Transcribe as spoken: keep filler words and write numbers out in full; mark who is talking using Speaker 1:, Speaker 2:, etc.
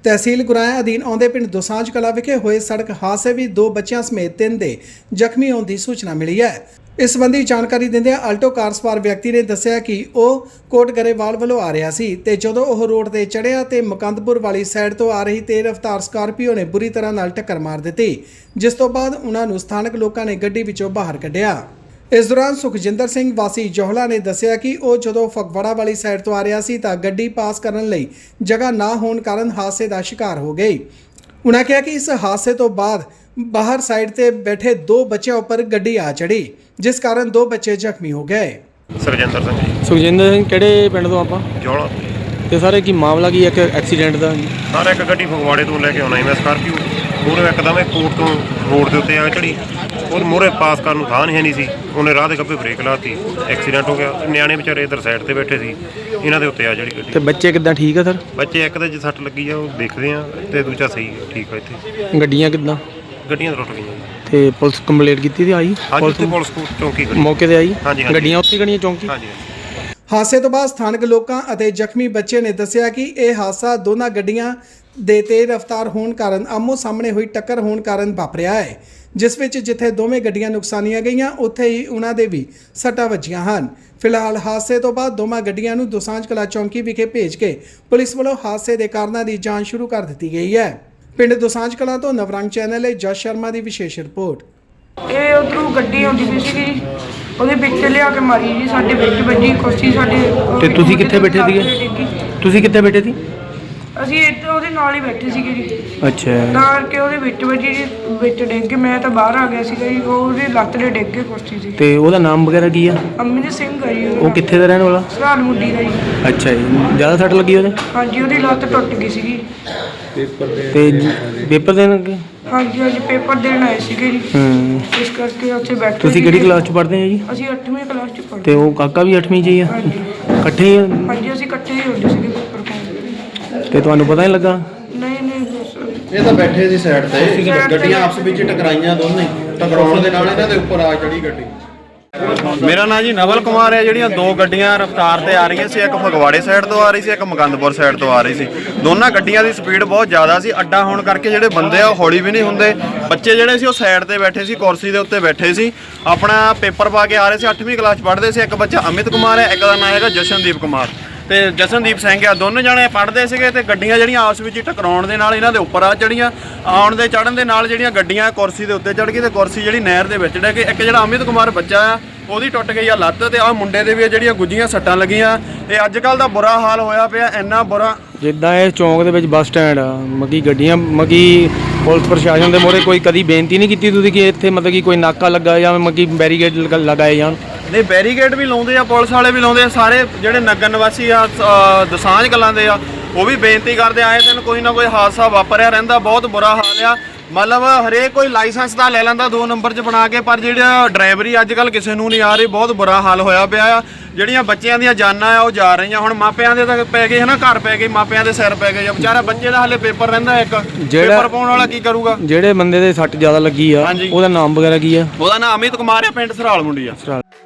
Speaker 1: तहसील गुराया अधीन आउंदे पिंड दोसांझ कला विखे होए सड़क हादसे भी दो बच्चों समेत तीन दे जख्मी होने की सूचना मिली है। इस संबंधी जानकारी दिंदे आल्टो कार सवार व्यक्ति ने दस्सिया कि वह कोट गरेवाल वालों आ रहा सी ते जदों वह रोड ते चढ़िया ते मुकंदपुर वाली साइड तो आ रही तेज रफ्तार स्कार्पियो ने बुरी तरह नाल टक्कर मार दी, जिस तो बाद उन्हां नूं स्थानक लोकां ने गड्डी विचों बाहर कढिया। इस दौरान सुखजिंदर सिंह वासी जोहला ने दस्सिया कि वह जदों फगवाड़ा वाली साइड तो आ रहा सी तां गड्डी पास करन लई जगह ना होने कारण हादसे का शिकार हो गई। उन्होंने कहा कि इस हादसे तो बाद बाहर साइड ते बैठे दो बच्चों पर गड्डी आ चढ़ी, जिस कारण दो बच्चे जख्मी हो गए।
Speaker 2: सुखजिंदर सिंह जी।
Speaker 3: सुखजिंदर सिंह किहड़े पिंड तो ਆਪਾਂ
Speaker 2: ਜੋਲਾ
Speaker 3: ਤੇ ਸਾਰੇ ਕੀ ਮਾਮਲਾ ਕੀ ਇੱਕ ਐਕਸੀਡੈਂਟ ਦਾ?
Speaker 2: ਸਾਰਾ ਇੱਕ ਗੱਡੀ ਫਗਵਾੜੇ ਤੋਂ ਲੈ ਕੇ ਆਉਣਾ ਸੀ ਮੈਂ ਸਕਾਰਪੀਓ, ਮੂਹਰੇ ਇੱਕਦਮ ਇਹ ਕੋਟ ਤੋਂ ਰੋਡ ਦੇ ਉੱਤੇ ਆ ਚੜੀ, ਉਹ ਮੂਹਰੇ ਪਾਸ ਕਰਨ ਨੂੰ ਥਾਂ ਨਹੀਂ ਨਹੀਂ ਸੀ, ਉਹਨੇ ਰਾਹ ਦੇ ਗੱਭੇ ਬ੍ਰੇਕ ਲਾਤੀ, ਐਕਸੀਡੈਂਟ ਹੋ ਗਿਆ। ਨਿਆਣੇ ਵਿਚਾਰੇ ਇੱਧਰ ਸਾਈਡ ਤੇ ਬੈਠੇ ਸੀ, ਇਹਨਾਂ ਦੇ ਉੱਤੇ ਆ ਜਿਹੜੀ ਗੱਡੀ।
Speaker 3: ਤੇ ਬੱਚੇ ਕਿੱਦਾਂ ਠੀਕ ਆ ਸਰ?
Speaker 2: ਬੱਚੇ ਇੱਕ ਦੇ ਜੇ ਸੱਟ ਲੱਗੀ ਆ ਉਹ ਦੇਖਦੇ ਆ, ਤੇ ਦੂਜਾ ਸਹੀ ਠੀਕ ਆ। ਇੱਥੇ
Speaker 3: ਗੱਡੀਆਂ ਕਿੱਦਾਂ?
Speaker 2: ਗੱਡੀਆਂ ਟੁੱਟ ਗਈਆਂ।
Speaker 3: ਤੇ ਪੁਲਿਸ ਕੰਪਲੇਂਟ ਕੀਤੀ ਤੇ ਆਈ?
Speaker 2: ਪੁਲਿਸ ਪੁਲਿਸ ਚੌਂਕੀ
Speaker 3: ਮੌਕੇ ਤੇ ਆਈ?
Speaker 2: ਹਾਂਜੀ ਹਾਂਜੀ
Speaker 3: ਗੱਡੀਆਂ ਉੱਥੇ ਖੜੀਆਂ ਚੌਂਕੀ?
Speaker 2: ਹਾਂਜੀ।
Speaker 1: ਹਾਦਸੇ ਤੋਂ ਬਾਅਦ ਸਥਾਨਕ ਲੋਕਾਂ ਅਤੇ ਜ਼ਖਮੀ ਬੱਚੇ ਨੇ ਦੱਸਿਆ ਕਿ ਇਹ ਹਾਦਸਾ ਦੋਨਾਂ ਗੱਡੀਆਂ ਦੇ ਤੇਜ਼ ਰਫ਼ਤਾਰ ਹੋਣ ਕਾਰਨ ਆਮੋ ਸਾਹਮਣੇ ਹੋਈ ਟੱਕਰ ਹੋਣ ਕਾਰਨ ਵਾਪਰਿਆ ਹੈ, ਜਿਸ ਵਿੱਚ ਜਿੱਥੇ ਦੋਵੇਂ ਗੱਡੀਆਂ ਨੁਕਸਾਨੀਆਂ ਗਈਆਂ ਉੱਥੇ ਹੀ ਉਹਨਾਂ ਦੇ ਵੀ ਸੱਟਾਂ ਵੱਜੀਆਂ ਹਨ। ਫਿਲਹਾਲ ਹਾਦਸੇ ਤੋਂ ਬਾਅਦ ਦੋਵਾਂ ਗੱਡੀਆਂ ਨੂੰ ਦੋਸਾਂਝ ਕਲਾਂ ਚੌਂਕੀ ਵਿਖੇ ਭੇਜ ਕੇ ਪੁਲਿਸ ਵੱਲੋਂ ਹਾਦਸੇ ਦੇ ਕਾਰਨਾਂ ਦੀ ਜਾਂਚ ਸ਼ੁਰੂ ਕਰ ਦਿੱਤੀ ਗਈ ਹੈ। ਪਿੰਡ ਦੋਸਾਂਝ ਕਲਾਂ ਤੋਂ ਨਵਰੰਗ ਚੈਨਲ ਲਈ ਜਸ ਸ਼ਰਮਾ ਦੀ ਵਿਸ਼ੇਸ਼ ਰਿਪੋਰਟ।
Speaker 4: ਇਹ ਉਧਰੋਂ ਗੱਡੀ ਆਉਂਦੀ ਪਈ ਸੀਗੀ ਜੀ, ਉਹਦੇ ਵਿੱਚ ਲਿਆ ਕੇ ਮਾਰੀ ਜੀ, ਸਾਡੇ ਵਿੱਚ ਵੱਜੀ ਕੁਰਸੀ ਸਾਡੇ।
Speaker 3: ਤੇ ਤੁਸੀਂ ਕਿੱਥੇ ਬੈਠੇ ਸੀਗੇ? ਤੁਸੀਂ ਕਿੱਥੇ ਬੈਠੇ ਸੀ?
Speaker 4: ਅਸੀਂ ਇੱਥੇ ਉਹਦੇ ਨਾਲ ਹੀ ਬੈਠੇ ਸੀਗੇ ਜੀ।
Speaker 3: ਅੱਛਾ।
Speaker 4: ਤਾਂ ਕਰਕੇ ਉਹਦੇ ਵਿੱਚ ਵੱਜੀ ਜੀ, ਵਿੱਚ ਡਿੱਗ ਕੇ ਮੈਂ ਤਾਂ ਬਾਹਰ ਆ ਗਿਆ ਸੀਗਾ ਜੀ, ਉਹਦੀ ਲੱਤ ਦੇ ਡਿੱਗ ਕੇ ਕੁਰਸੀ ਸੀ।
Speaker 3: ਤੇ ਉਹਦਾ ਨਾਮ ਵਗੈਰਾ ਕੀ ਆ?
Speaker 4: ਅਮਿਤ ਸਿੰਘ ਆ ਜੀ।
Speaker 3: ਉਹ ਕਿੱਥੇ ਦਾ ਰਹਿਣ ਵਾਲਾ?
Speaker 4: ਸਰਾਲ ਮੁੰਡੀ ਦਾ ਜੀ।
Speaker 3: ਅੱਛਾ ਜੀ। ਜ਼ਿਆਦਾ ਸੱਟ ਲੱਗੀ ਉਹਦੇ?
Speaker 4: ਹਾਂਜੀ, ਉਹਦੀ ਲੱਤ ਟੁੱਟ ਗਈ ਸੀਗੀ।
Speaker 3: ਤੇ ਪੇਪਰ ਦੇਣ ਲੱਗੇ?
Speaker 4: ਹਾਂਜੀ ਹਾਂਜੀ, ਪੇਪਰ ਦੇਣ ਆਏ ਸੀਗੇ ਜੀ,
Speaker 3: ਹੂੰ।
Speaker 4: ਇਸ ਕਰਕੇ ਉੱਥੇ ਬੈਠੇ।
Speaker 3: ਤੁਸੀਂ ਕਿਹੜੀ ਕਲਾਸ 'ਚ ਪੜ੍ਹਦੇ ਆ ਜੀ?
Speaker 4: ਅਸੀਂ ਅੱਠਵੀਂ ਕਲਾਸ 'ਚ ਪੜ੍ਹਦੇ।
Speaker 3: ਤੇ ਉਹ ਕਾਕਾ ਵੀ ਅੱਠਵੀਂ 'ਚ ਹੀ ਆ?
Speaker 4: ਹਾਂਜੀ
Speaker 3: ਇਕੱਠੇ ਹੀ ਆ?
Speaker 4: ਹਾਂਜੀ, ਅਸੀਂ ਇਕੱਠੇ ਹੀ ਹੁੰਦੇ ਸੀਗੇ ਪੇਪਰ ਪਾਉਣ।
Speaker 3: ਤੇ ਤੁਹਾਨੂੰ ਪਤਾ ਨਹੀਂ ਲੱਗਾ?
Speaker 4: ਨਹੀਂ ਨਹੀਂ ਬਸ
Speaker 5: ਇਹ ਤਾਂ ਬੈਠੇ ਸੀ ਸਾਈਡ ਤੇ, ਗੱਡੀਆਂ ਆਪਸ ਵਿੱਚ ਟਕਰਾਈਆਂ, ਦੋਨੇ ਟਕਰਾਉਣ ਦੇ ਨਾਲ ਇਹਨਾਂ ਦੇ ਉੱਪਰ ਆ ਚੜੀ ਗੱਡੀ।
Speaker 6: ਮੇਰਾ ਨਾਂ ਜੀ ਨਵਲ ਕੁਮਾਰ ਹੈ। ਜਿਹੜੀਆਂ ਦੋ ਗੱਡੀਆਂ ਰਫ਼ਤਾਰ ਤੇ ਆ ਰਹੀਆਂ ਸੀ, ਇੱਕ ਫਗਵਾੜੇ ਸਾਈਡ ਤੋਂ ਆ ਰਹੀ ਸੀ, ਇੱਕ ਮੁਕੰਦਪੁਰ ਸਾਈਡ ਤੋਂ ਆ ਰਹੀ ਸੀ। ਦੋਨਾਂ ਗੱਡੀਆਂ ਦੀ ਸਪੀਡ ਬਹੁਤ ਜ਼ਿਆਦਾ ਸੀ। ਅੱਡਾ ਹੋਣ ਕਰਕੇ ਜਿਹੜੇ ਬੰਦੇ ਆ ਉਹ ਹੌਲੀ ਵੀ ਨਹੀਂ ਹੁੰਦੇ। ਬੱਚੇ ਜਿਹੜੇ ਸੀ ਉਹ ਸਾਈਡ ਤੇ ਬੈਠੇ ਸੀ, ਕੁਰਸੀ ਦੇ ਉੱਤੇ ਬੈਠੇ ਸੀ, ਆਪਣਾ ਪੇਪਰ ਪਾ ਕੇ ਆ ਰਹੇ ਸੀ। ਅੱਠਵੀਂ ਕਲਾਸ ਪੜ੍ਹਦੇ ਸੀ। ਇੱਕ ਬੱਚਾ ਅਮਿਤ ਕੁਮਾਰ ਹੈ, ਇੱਕ ਦਾ ਨਾਂ ਹੈਗਾ ਜਸ਼ਨਦੀਪ ਕੁਮਾਰ ਤੇ ਜਸ਼ਨਦੀਪ ਸਿੰਘ ਆ। ਦੋਨੋਂ ਜਣੇ ਪੜ੍ਹਦੇ ਸੀਗੇ ਤੇ ਗੱਡੀਆਂ ਜਿਹੜੀਆਂ ਆਪਸ ਵਿੱਚ ਟਕਰਾਉਣ ਦੇ ਨਾਲ ਇਹਨਾਂ ਦੇ ਉੱਪਰ ਆ ਚੜੀਆਂ। ਆਉਣ ਦੇ ਚੜ੍ਹਨ ਦੇ ਨਾਲ ਜਿਹੜੀਆਂ ਗੱਡੀਆਂ ਕੁਰਸੀ ਦੇ ਉੱਤੇ ਚੜ੍ਹ ਗਈ ਤੇ ਕੁਰਸੀ ਜਿਹੜੀ ਨਹਿਰ ਦੇ ਵਿੱਚ ਡਿੱਗ ਗਈ। ਇੱਕ ਜਿਹੜਾ ਅਮਿਤ ਕੁਮਾਰ ਬੱਚਾ ਆ ਉਹਦੀ ਟੁੱਟ ਗਈ ਆ ਲੱਤ, ਤੇ ਆਹ ਮੁੰਡੇ ਦੇ ਵੀ ਜਿਹੜੀਆਂ ਗੁੱਝੀਆਂ ਸੱਟਾਂ ਲੱਗੀਆਂ। ਤੇ ਅੱਜ ਕੱਲ੍ਹ ਦਾ ਬੁਰਾ ਹਾਲ ਹੋਇਆ ਪਿਆ, ਇੰਨਾ ਬੁਰਾ।
Speaker 3: ਜਿੱਦਾਂ ਇਹ ਚੌਂਕ ਦੇ ਵਿੱਚ ਬੱਸ ਸਟੈਂਡ ਆ, ਮਗੀ ਗੱਡੀਆਂ ਮਗੀ ਪੁਲਿਸ ਪ੍ਰਸ਼ਾਸਨ ਦੇ ਮੋਹਰੇ ਕੋਈ ਕਦੀ ਬੇਨਤੀ ਨਹੀਂ ਕੀਤੀ ਤੁਸੀਂ ਕਿ ਇੱਥੇ ਮਤਲਬ ਕਿ ਕੋਈ ਨਾਕਾ ਲੱਗਾ ਜਾਂ ਮਗੀ ਬੈਰੀਕੇਡ ਲਗਾਏ ਜਾਣ?
Speaker 6: ਨਹੀਂ, ਬੈਰੀਕੇਡ ਵੀ ਲਾਉਂਦੇ ਆ, ਪੁਲਿਸ ਵਾਲੇ ਵੀ ਲਾਉਂਦੇ ਆ, ਸਾਰੇ ਜਿਹੜੇ ਨਗਰ ਨਿਵਾਸੀ ਆ ਦਸਾਂਝ ਕਲਾਂ ਦੇ ਆ ਉਹ ਵੀ ਬੇਨਤੀ ਕਰਦੇ ਆਏ ਦਿਨ ਕੋਈ ਨਾ ਕੋਈ ਹਾਦਸਾ ਵਾਪਰਿਆ ਰਹਿੰਦਾ। ਬਹੁਤ ਬੁਰਾ ਹਾਲ ਆ। ਮਤਲਬ ਹਰੇਕ ਕੋਈ ਲਾਇਸੈਂਸ ਤਾਂ ਲੈ ਲੈਂਦਾ ਦੋ ਨੰਬਰ 'ਚ ਬਣਾ ਕੇ, ਪਰ ਜਿਹੜਾ ਡਰਾਈਵਰੀ ਅੱਜ ਕੱਲ੍ਹ ਕਿਸੇ ਨੂੰ ਨਹੀਂ ਆ ਰਹੀ। ਬਹੁਤ ਬੁਰਾ ਹਾਲ ਹੋਇਆ ਪਿਆ ਆ। ਜਿਹੜੀਆਂ ਬੱਚਿਆਂ ਦੀਆਂ ਜਾਨਾਂ ਆ ਉਹ ਜਾ ਰਹੀਆਂ। ਹੁਣ ਮਾਪਿਆਂ ਦੇ ਤਾਂ ਪੈ ਗਏ ਹੈ ਨਾ, ਘਰ ਪੈ ਗਏ, ਮਾਪਿਆਂ ਦੇ ਸਿਰ ਪੈ ਗਏ। ਵਿਚਾਰਾ ਬੱਚੇ ਦਾ ਹਾਲੇ ਪੇਪਰ ਰਹਿੰਦਾ, ਇੱਕ ਪੇਪਰ ਪਾਉਣ ਵਾਲਾ ਕੀ ਕਰੂਗਾ?
Speaker 3: ਜਿਹੜੇ ਬੰਦੇ ਦੇ ਸੱਟ ਜ਼ਿਆਦਾ ਲੱਗੀ ਆ ਉਹਦਾ ਨਾਮ ਵਗੈਰਾ ਕੀ ਆ?
Speaker 6: ਉਹਦਾ ਨਾਮ ਅਮਿਤ ਕੁਮਾਰ ਆ, ਪਿੰਡ ਸਰਾਲ ਮੁੰਡੀ ਆ।